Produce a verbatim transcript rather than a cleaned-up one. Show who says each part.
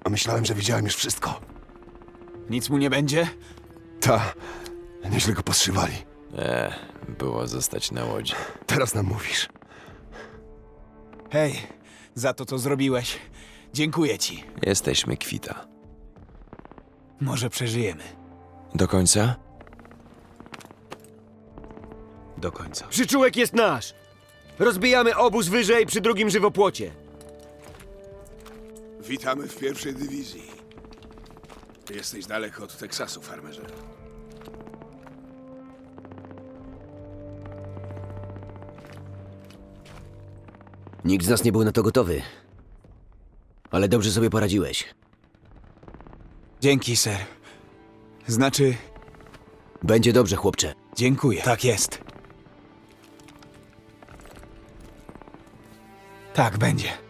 Speaker 1: A myślałem, że widziałem już wszystko.
Speaker 2: Nic mu nie będzie?
Speaker 1: Ta, nieźle go poszywali.
Speaker 3: E, było zostać na łodzi.
Speaker 1: Teraz nam mówisz.
Speaker 2: Hej, za to, co zrobiłeś. Dziękuję ci.
Speaker 3: Jesteśmy kwita.
Speaker 2: Może przeżyjemy.
Speaker 3: Do końca?
Speaker 2: Do końca.
Speaker 4: Przyczółek jest nasz! Rozbijamy obóz wyżej przy drugim żywopłocie.
Speaker 5: Witamy w pierwszej dywizji. Jesteś daleko od Teksasu, farmerze.
Speaker 4: Nikt z nas nie był na to gotowy. Ale dobrze sobie poradziłeś.
Speaker 2: Dzięki, ser. Znaczy,
Speaker 4: Będzie dobrze, chłopcze.
Speaker 2: dziękuję. Tak jest. Tak będzie.